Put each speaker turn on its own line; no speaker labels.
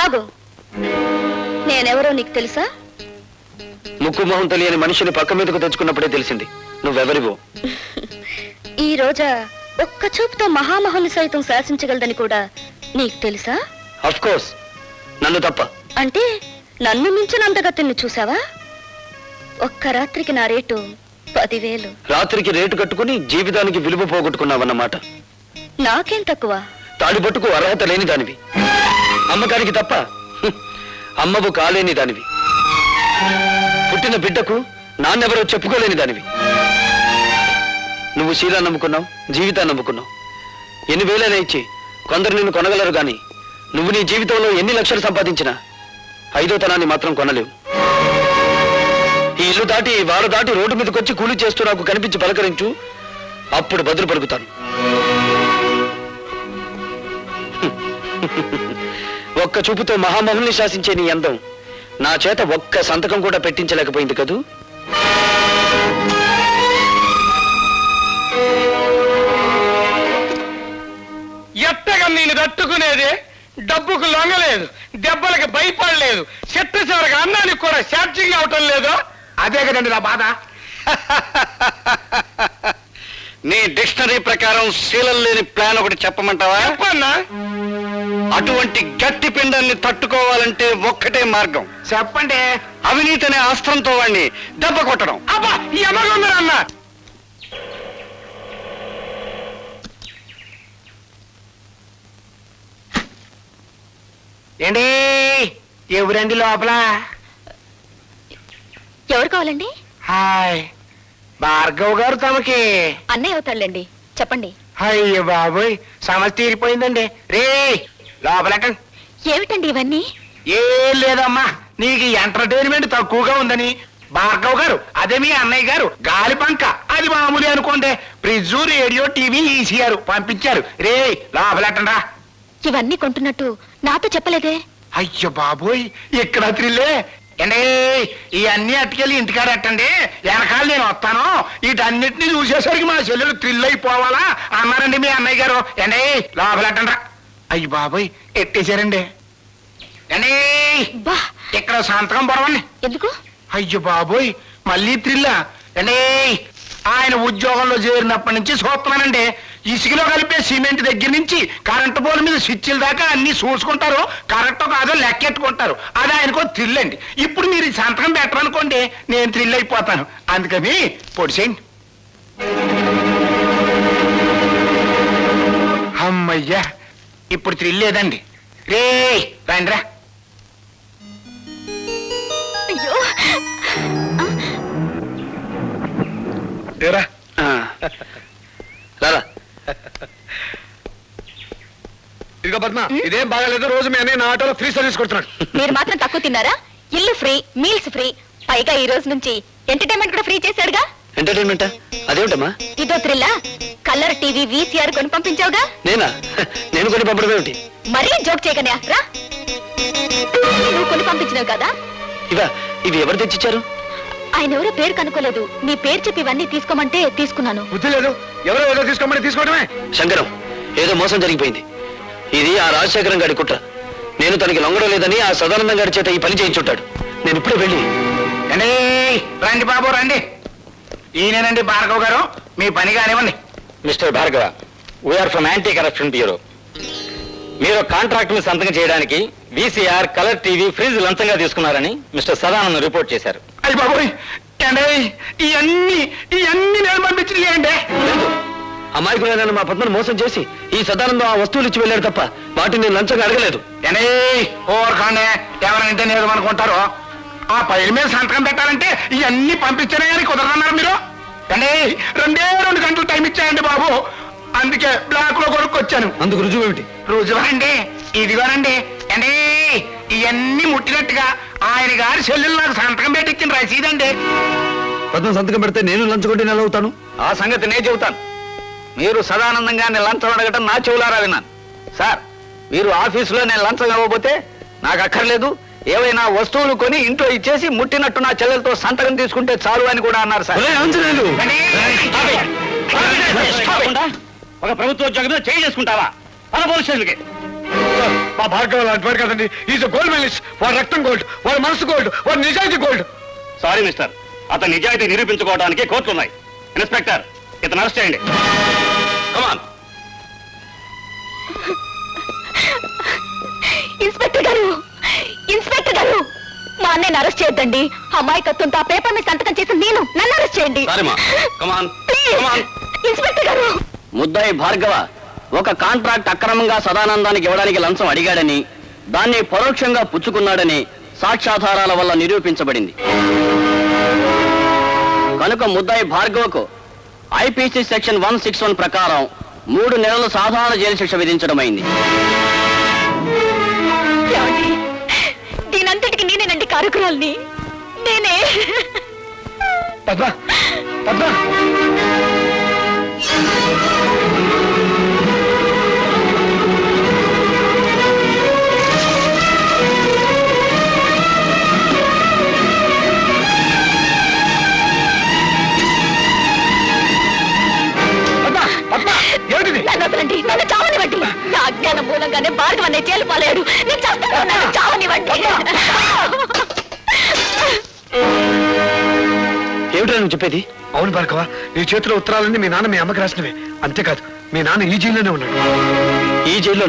ఆగు. నేనెవరో నీకు తెలుసా?
ముక్కు మొహం తెలియని మనిషిని పక్క మీదకు తెచ్చుకున్నప్పుడే తెలిసింది నువ్వెవరివో.
ఈ రోజా ఒక్క చూపుతో మహామహుని సైతం శాసించగలదని కూడా నీకు తెలుసా?
అఫ్ కోర్స్, నన్ను తప్ప.
అంటే నన్ను మించిన అందగతిని చూసావా? ఒక్క రాత్రికి నా రేటు 10,000.
రాత్రికి రేటు కట్టుకుని జీవితానికి విలువ పోగొట్టుకున్నావన్నమాట.
నాకేం తక్కువ?
తాడిపట్టుకు అర్హత లేని దానివి, అమ్మకానికి తప్ప అమ్మవు కాలేని దానివి, పుట్టిన బిడ్డకు నాన్నెవరో చెప్పుకోలేని దానివి. నువ్వు శీలా నమ్ముకున్నావు, జీవితాన్ని నమ్ముకున్నావు. ఎన్ని వేలైనా ఇచ్చి కొందరు నిన్ను కొనగలరు గాని నువ్వు నీ జీవితంలో ఎన్ని లక్షలు సంపాదించినా 5వ తనాన్ని మాత్రం కొనలేవు. ఈ ఇల్లు దాటి వారు దాటి రోడ్డు మీదకి వచ్చి కూలి చేస్తూ నాకు కనిపించి పలకరించు, అప్పుడు బదులు పలుకుతాను. ఒక్క చూపుతో మహామహుల్ని శాసించే నీ అందం నా చేత ఒక్క సంతకం కూడా పెట్టించలేకపోయింది కదూ.
ఎట్టగా నేను తట్టుకునేది? డబ్బుకు లొంగలేదు, దెబ్బలకు భయపడలేదు, చెట్టు చివరికి అన్నానికి కూడా ఛార్జింగ్ అవటం లేదు. అదే కదండి నా బాధ.
నీ డిక్షనరీ ప్రకారం శీలం లేని ప్లాన్ ఒకటి చెప్పమంటావా?
చెప్పన్నా.
అటువంటి గట్టి పిండాన్ని తట్టుకోవాలంటే ఒక్కటే మార్గం.
చెప్పండి.
అవినీతి అనే అస్త్రంతో వాడిని దెబ్బ కొట్టడం.
అబ్బా, ఈ అమ్మగొందరన్నా. ఏంటి ఎవరండి లోపల?
ఎవరు కావాలండి?
హాయ్, భార్గవ్ గారు తమకి.
అన్నయ్య అవుతాడులేండి, చెప్పండి.
అయ్యో బాబోయ్, సమస్య తీరిపోయిందండి. రే లోపలటండి.
ఏమిటండి ఇవన్నీ?
ఏం లేదమ్మా, నీకు ఎంటర్టైన్మెంట్ తక్కువగా ఉందని భార్గవ్ గారు, అదే మీ అన్నయ్య గారు గాలి పంక, అది మామూలు అనుకోండి, ఫ్రిడ్జ్, రేడియో, టీవీ, ఈసీఆర్ పంపించారు. రే లోపలటండా.
ఇవన్నీ కొంటున్నట్టు నాతో చెప్పలేదే?
అయ్యో బాబోయ్, ఇక్కడ త్రిల్లే. అండి ఇవన్నీ అట్టుకెళ్ళి ఇంటికాడ ఎట్టండి, వెనకాల నేను వస్తాను, వీటన్నిటిని చూసేసరికి మా చెల్లెలు థ్రిల్ అయిపోవాలా అన్నారండి మీ అన్నయ్య గారు. అండి లోపలెట్టండ్రా. అయ్యి బాబోయ్, ఎట్టేశారండి. అండి
బా,
ఇక్కడ సంతకం పొడవండి.
ఎందుకు?
అయ్యో బాబోయ్, మళ్ళీ థ్రిల్లా? అండి ఆయన ఉద్యోగంలో చేరినప్పటి నుంచి చూస్తున్నానండి, ఇసుకలో కలిపే సిమెంట్ దగ్గర నుంచి కరెంటు పోల్ మీద స్విచ్ల దాకా అన్ని చూసుకుంటారు, కరెక్టో కాదో లెక్కెట్టుకుంటారు. అది ఆయనకో థ్రిల్ అండి. ఇప్పుడు మీరు ఈ సంతకం పెట్టరనుకోండి, నేను థ్రిల్ అయిపోతాను. అందుకని పొడిసేయండి. అమ్మయ్యా, ఇప్పుడు థ్రిల్ లేదండి. రే రండిరా.
అయ్యో,
రా.
రారా.
ఇదిగో పద్మ, ఇదేం బాగాలేదు. రోజు మీ అన్నయ్య నా ఆటోలో ఫ్రీ సర్వీస్ కొడుతున్నాడు.
మీరు మాత్రం తక్కువ తిన్నారా? ఇల్లు ఫ్రీ, మీల్స్ ఫ్రీ, పైగా ఈ రోజు నుంచి ఎంటర్టైన్మెంట్ కూడా ఫ్రీ చేశాడుగా.
ఎంటర్టైన్మెంటా? అదేమిటమ్మా?
ఇదో థ్రిల్లా? కలర్ టీవీ, వీసీఆర్ కొని పంపించావుగా.
నేనా? నేను కొని పంపడం ఏమిటి?
మరీ జోక్ చేయకనే రా. నువ్వు కొని పంపించినావు కదా.
ఇవి ఎవరు తెచ్చిచ్చారు?
ఆయన ఎవరో పేరు కనుక్కోలేదు, నీ పేరు చెప్పి ఇవన్నీ తీసుకోమంటే తీసుకున్నాను.
బుద్ధి లేదు, ఎవరో ఏదో తీసుకోమని తీసుకోవడమే.
శంకరం, ఏదో మోసం జరిగిపోయింది. ఇది ఆ రాజశేఖరం గారి కుట్ర. నేను తనకి లొంగడం లేదని ఆ సదానందం గారి చేత ఈ పని చేయించుంటాడు. నేను ఇప్పుడే వెళ్ళి.
రండి బాబు రండి. ఈయనేనండి భార్గవ్ గారు, మీ పని కానివ్వండి.
Mister Bhargava, we are from anti corruption bureau. మీరు కాంట్రాక్ట్ ని సంతకం చేయడానికి వీసీఆర్, కలర్ టీవీ, ఫ్రిడ్జ్ లంచంగా తీసుకున్నారని మిస్టర్ సదానందం రిపోర్ట్ చేశారు.
అయ్యి బాబోయ్, ఇవన్నీ నేను పంపించినాయండి.
అమాయకులైన మా పద్మను మోసం చేసి ఈ సదానందం ఆ వస్తువులు ఇచ్చి వెళ్ళాడు తప్ప వాటిని నేను లంచంగా అడగలేదు.
ఓర్కాండే, ఎవరంటే నేను అనుకుంటారు. ఆ పైల మీద సంతకం పెట్టాలంటే ఇవన్నీ పంపించానే కానీ కుదరన్నారు మీరు. రెండే 2 గంటలు టైం ఇచ్చాయండి బాబు, అందుకే బ్లాక్ లో కొనుక్కొచ్చాను.
అందుకు రుజువు ఏమిటి?
రుజువండి, ఇదిగోనండి. అండి ఇవన్నీ ముట్టినట్టుగా ఆయన గారి చెల్లెలు నాకు సంతకం పెట్టించిన రసీదండి.
పద్మ సంతకం పెడితే నేను లంచగొట్టి నెల అవుతాను.
ఆ సంగతి నేను చెబుతాను. మీరు సదానందంగా నేను లంచం అడగటం నా చెవులారా విన్నాను. సార్, మీరు ఆఫీసులో నేను లంచం ఇవ్వబోతే నాకు అక్కర్లేదు, ఏవైనా వస్తువులు కొని ఇంట్లో ఇచ్చేసి ముట్టినట్టు నా చెల్లెలతో సంతకం తీసుకుంటే చాలు అని కూడా అన్నారు సార్.
ఒక ప్రభుత్వ ఉద్యోగం చేయి చేసుకుంటావా? పోలీస్ స్టేషన్కి
మా భార్గవ లాంటి వాడు కదండి. Is gold medallist. వాడు రక్తం గోల్డ్, వాడు మనసు గోల్డ్, వాడు నిజాయితీ గోల్డ్.
సారీ మిస్టర్, అతని నిజాయితీ నిరూపించుకోవడానికి కోర్టులు ఉన్నాయి. ఇన్స్పెక్టర్, ఇతను అరెస్ట్ చేయండి. కమాన్.
ఇన్స్పెక్టర్ గారు, ఇన్స్పెక్టర్ గారు, మా అన్నయ్యని అరెస్ట్ చేయొద్దండి. అమాయకత్వంతో ఆ పేపర్ మీద సంతకం చేసి నన్ను అరెస్ట్ చేయండి.
సారీమా, కమాన్.
ప్లీజ్.
కమాన్.
ఇన్స్పెక్టర్ గారు,
ముద్దాయి భార్గవ ఒక కాంట్రాక్ట్ అక్రమంగా సదానందానికి ఇవ్వడానికి లంచం అడిగాడని, దాన్ని పరోక్షంగా పుచ్చుకున్నాడని సాక్ష్యాధారాల వల్ల నిరూపించబడింది. కనుక ముద్దాయి భార్గవకు ఐపీసీ సెక్షన్ 161 ప్రకారం 3 నెలల సాధారణ జైలు శిక్ష విధించడమైంది.
ఏమండి? దీనంతటికి నేనేనండి కారకురాల్ని. నేనే.
పద్మ, పద్మ.
నన్ను వదలండి, నన్ను చావనివ్వండి. నా అజ్ఞానం మూలంగానే భార్గవ అనే జైలు పాలేడు. నేను చేస్తాను, నన్ను చావనివ్వండి.
ఏమిటో నువ్వు చెప్పేది?
అవును భార్గవ, నీ చేతిలో ఉత్తరాలన్నీ మీ నాన్న మీ అమ్మకి రాసినవే. అంతేకాదు, మీ నాన్న ఈ జైల్లోనే ఉన్నాడు.
ఈ జైల్లో